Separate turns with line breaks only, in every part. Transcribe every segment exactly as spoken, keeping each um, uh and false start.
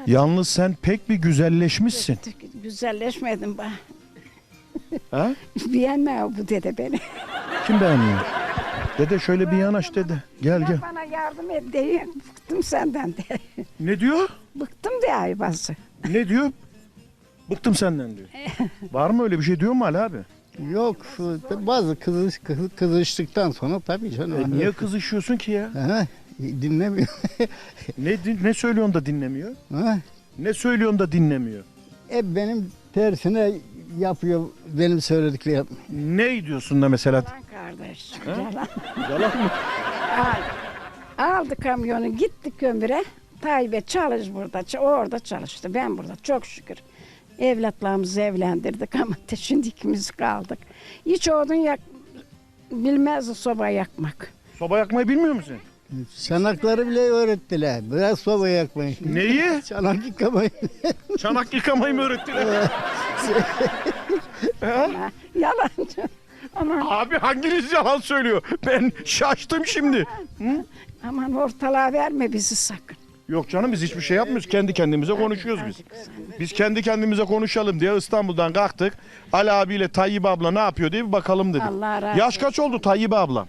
Yalnız sen pek bir güzelleşmişsin.
Güzelleşmedim ben.
Ha?
Beğenmiyor bu dede beni.
Kim beğenmiyor? Dede şöyle bir yanaş dede. Gel gel.
Ya bana yardım et diye bıktım senden de.
Ne diyor?
Bıktım diye ayvası.
Ne diyor? Bıktım senden diyor. Var mı öyle bir şey diyor mu Ali abi?
Yok bazı kızış, kız- kızıştıktan sonra tabii canım.
E niye kızışıyorsun ki ya?
Ha, dinlemiyor.
Ne din- ne söylüyorsun da dinlemiyor?
Ha,
Ne söylüyorsun da dinlemiyor?
hep benim tersine yapıyor benim söylediklerim.
Ne diyorsun da mesela?
Yalan kardeş. Yalan.
Yalan mı?
Al- Aldı kamyonu gitti kömüre. Tayyip'e çalış burada. ç- O orada çalıştı. Ben burada çok şükür. Evlatlarımızı evlendirdik ama te- şimdi ikimiz kaldık. Hiç odun yak bilmez soba yakmak.
Soba yakmayı bilmiyor musun?
Çanakları bile öğrettiler. Biraz soba yakmayın.
Neyi?
Çanak yıkamayın.
Çanak yıkamayı mı öğrettiler?
Ha, Yalancı. Aman,
Abi hanginiz yalan söylüyor? Ben şaştım şimdi.
aman ortalığa verme bizi sakın.
Yok canım biz hiçbir şey yapmıyoruz. Kendi kendimize konuşuyoruz biz. Biz kendi kendimize konuşalım diye İstanbul'dan kalktık. Ali abiyle Tayyip abla ne yapıyor diye bir bakalım dedik.
Allah razı
Yaş kaç oldu Tayyip abla?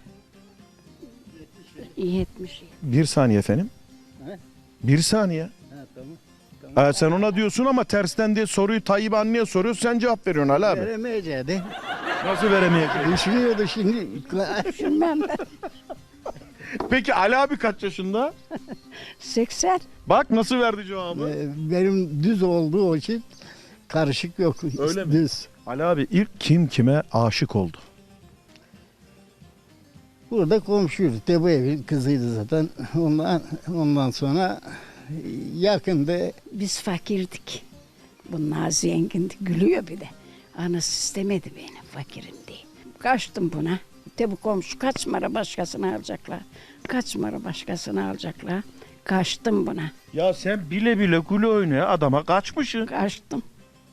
yetmiş.
Bir saniye efendim.
He?
Bir saniye.
Ha, tamam.
Ee, sen ona diyorsun ama tersten diye soruyu Tayyip anneye soruyorsun. Sen cevap veriyorsun Ali abi.
Veremeyeceği.
Nasıl veremeyecek?
Düşünüyordu şimdi.
Düşünmem ben.
Peki Ali abi kaç yaşında?
seksen.
Bak nasıl verdi cevabı.
Ee, Benim düz olduğu için karışık yok.
Öyle mi?
Düz.
Ali abi ilk kim kime aşık oldu?
Burada komşuyuz. De bu evin kızıydı zaten. Ondan ondan sonra yakında
Biz fakirdik. Bunlar zengindi. Gülüyor bir de. Anası istemedi beni fakirim diye. Kaçtım buna. De bu komşu kaç mara başkasını alacaklar. Kaç mara başkasını alacaklar. Kaçtım buna.
Ya sen bile bile gülü oynaya adama kaçmışsın.
Kaçtım.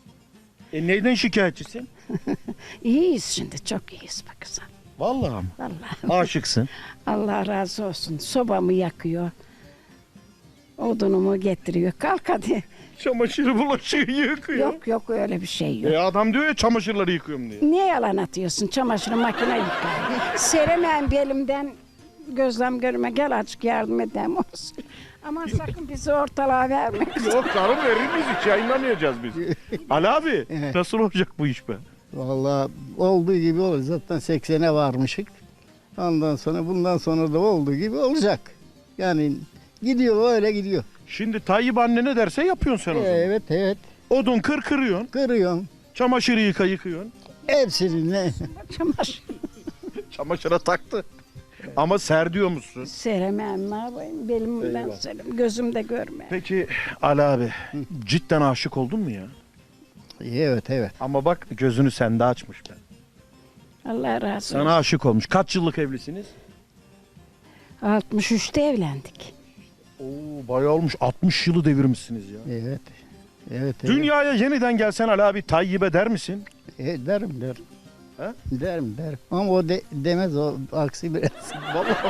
E neyden şikayetçisin?
İyiyiz şimdi. Çok iyiyiz bak kızım.
Vallahi mı?
Vallahi.
Aşıksın.
Allah razı olsun. Sobamı yakıyor. Odunumu getiriyor. Kalk hadi.
Çamaşırı bulaşığı yıkıyor.
Yok yok öyle bir şey yok.
E adam diyor ya çamaşırları yıkıyorum diye.
Niye yalan atıyorsun? Çamaşırı makine yıkar. Seremem belimden gözlem görme. Gel azıcık yardım edeyim olsun. Aman sakın bizi ortalığa verme.
Yok canım verir miyiz hiç yayınlamayacağız biz. Ali abi nasıl olacak bu iş be?
vallahi olduğu gibi olur. Zaten seksene varmışık. Ondan sonra bundan sonra da olduğu gibi olacak. Yani gidiyor öyle gidiyor.
Şimdi Tayyip anne ne derse yapıyorsun sen o zaman.
Evet evet.
Odun kır kırıyorsun.
Kırıyorum.
Çamaşırı yıka yıkıyorsun.
Hepsini ne?
Çamaşır.
Çamaşıra taktı. Ama ser diyor musun?
Seremem ne yapayım? Belimden
Eyvah.
serim. Gözümde görme.
Peki Ali abi cidden aşık oldun mu ya?
Evet evet.
Ama bak gözünü sende açmış ben.
Allah razı olsun.
Sana aşık olmuş. Kaç yıllık evlisiniz?
altmış üçte evlendik.
Oo bayağı olmuş. altmış yılı devirmişsiniz ya.
Evet. Evet. evet.
Dünyaya yeniden gelsen Ali abi Tayyip'e der misin?
E, derim derim.
He?
Derim derim. Ama o de, demez o aksi biraz.
Vallahi.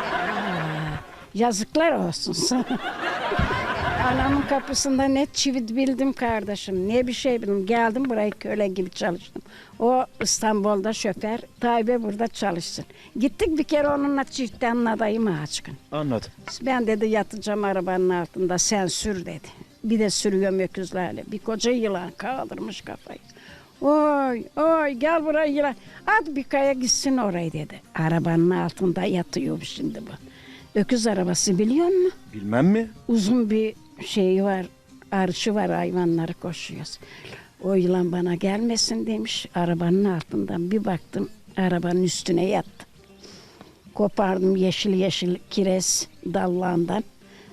Yazıklar olsun sana. Anamın kapısında ne çivit bildim kardeşim, ne bir şey bildim. Geldim buraya köle gibi çalıştım. O İstanbul'da şoför, Tayyip'e burada çalışsın. Gittik bir kere onunla çiftten adayım aşkın.
Anladım.
Ben dedi yatacağım arabanın altında, sen sür dedi. Bir de sürüyorum öküzlerle. Bir koca yılan kaldırmış kafayı. Oy oy gel buraya yılan. At bir kaya gitsin oraya dedi. Arabanın altında yatıyor şimdi bu. Öküz arabası biliyor musun?
Bilmem mi?
Uzun bir şeyi var, arışı var, hayvanları koşuyoruz. O yılan bana gelmesin demiş. Arabanın altından bir baktım, arabanın üstüne yattı. Kopardım yeşil yeşil kireç dallarından.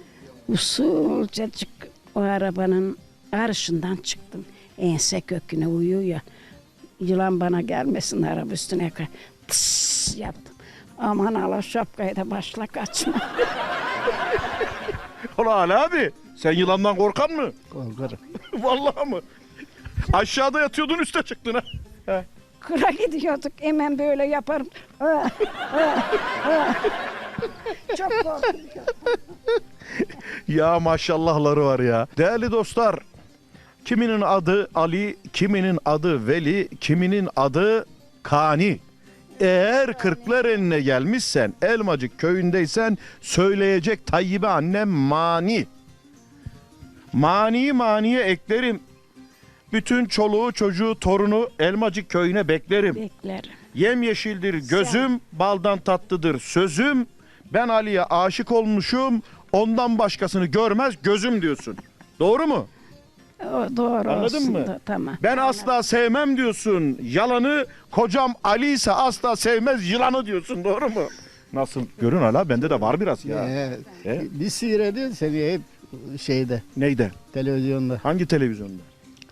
Usulcacık o arabanın arışından çıktım. Ense köküne uyuyor. Yılan bana gelmesin araba üstüne. Tıs yaptım. Aman Allah şapkayı da başla kaçma.
Ulan Ali abi sen yılandan korkan mı?
Korkarım.
Vallahi mı? Aşağıda yatıyordun üste çıktın ha. He.
Kıra gidiyorduk hemen böyle yaparım. Ah, ah, ah. Çok korkuyorum.
Ya maşallahları var ya. Değerli dostlar, kiminin adı Ali, kiminin adı Veli, kiminin adı Kani. Eğer Kırklareli'ne gelmişsen, Elmacık köyündeysen söyleyecek Tayyibe annem mani. Mani maniye eklerim. Bütün çoluğu, çocuğu, torunu Elmacık köyüne beklerim.
Beklerim.
Yemyeşildir gözüm, baldan tatlıdır sözüm. Ben Ali'ye aşık olmuşum, ondan başkasını görmez gözüm diyorsun. Doğru mu?
O doğru
Anladın
olsun
mı?
da, tamam.
Ben asla sevmem diyorsun yalanı, kocam Ali ise asla sevmez yılanı diyorsun, doğru mu? Nasıl? Görün hala bende de var biraz ya.
Ee,
E?
Bir seyrediyor seni hep şeyde,
Neyde?
televizyonda.
Hangi televizyonda?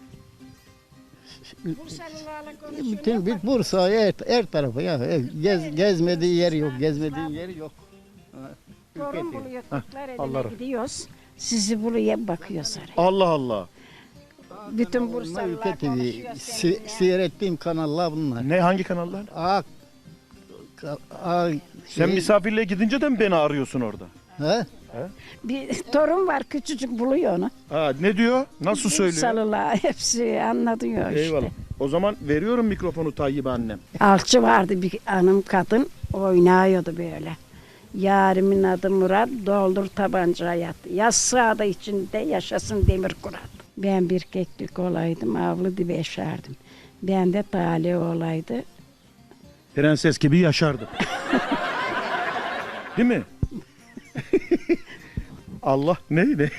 Bütün bir Bursa her, her tarafı ya. Gez, gezmediği yer yok, gezmediği yer yok. Ha,
Torun
ülke
buluyor,
Allah
Kırklareli'ne
razı-
gidiyoruz. Sizi buraya bakıyoruz. oraya.
Allah Allah.
Bütün
Bunlar
Bursalılar
Ülke T V,
konuşuyor
se-
seninle.
seyrettiğim kanallar bunlar.
Ne, hangi kanallar?
A, A,
Sen
şey-
misafirliğe gidince de mi beni arıyorsun orada?
He?
Bir torun var, küçücük buluyor onu.
Ha, ne diyor? Nasıl söylüyor?
Bursalılar hepsi anlatıyor işte.
Eyvallah. O zaman veriyorum mikrofonu Tayyibe annem.
Alçı vardı bir hanım kadın, oynuyordu böyle. Yarimin adı Murat, doldur tabanca hayat. Yaz sağda içinde yaşasın demir kurat. Ben bir keklik olaydım, avlu dibe yaşardım. Ben de talih olaydı.
Prenses gibi yaşardı. Değil mi? Allah neydi?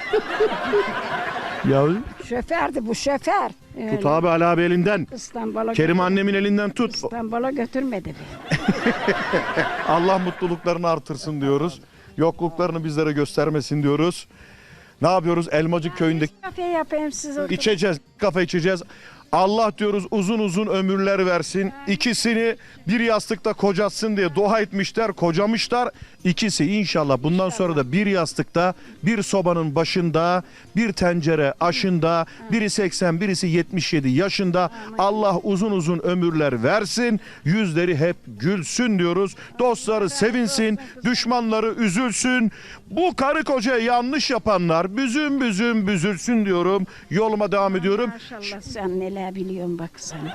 ya
Şofördü bu şoför. Öyle.
tut abi Ali abi elinden.
İstanbul'a
Kerim
götür-
annemin elinden tut.
İstanbul'a götürmedi beni.
Allah mutluluklarını artırsın diyoruz. Yokluklarını bizlere göstermesin diyoruz. Ne yapıyoruz? Elmacık köyündeki
Kafe yapayım size.
içeceğiz, kafe içeceğiz. Allah diyoruz uzun uzun ömürler versin. İkisini bir yastıkta kocatsın diye dua etmişler, kocamışlar. İkisi inşallah bundan sonra da bir yastıkta, bir sobanın başında, bir tencere aşında, biri seksen, birisi yetmiş yedi yaşında. Allah uzun uzun ömürler versin. Yüzleri hep gülsün diyoruz. Dostları sevinsin, düşmanları üzülsün. Bu karı kocaya yanlış yapanlar büzüm büzüm büzülsün diyorum. Yoluma devam ediyorum.
Maşallah sen neler biliyorsun bak sen.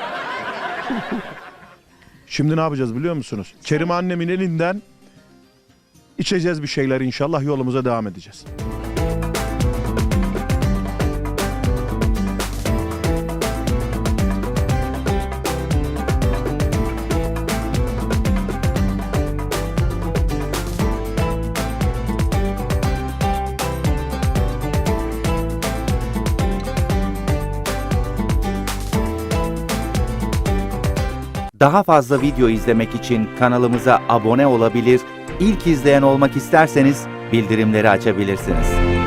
Şimdi ne yapacağız biliyor musunuz? Kerim annemin elinden içeceğiz bir şeyler inşallah, yolumuza devam edeceğiz.
Daha fazla video izlemek için kanalımıza abone olabilir, ilk izleyen olmak isterseniz bildirimleri açabilirsiniz.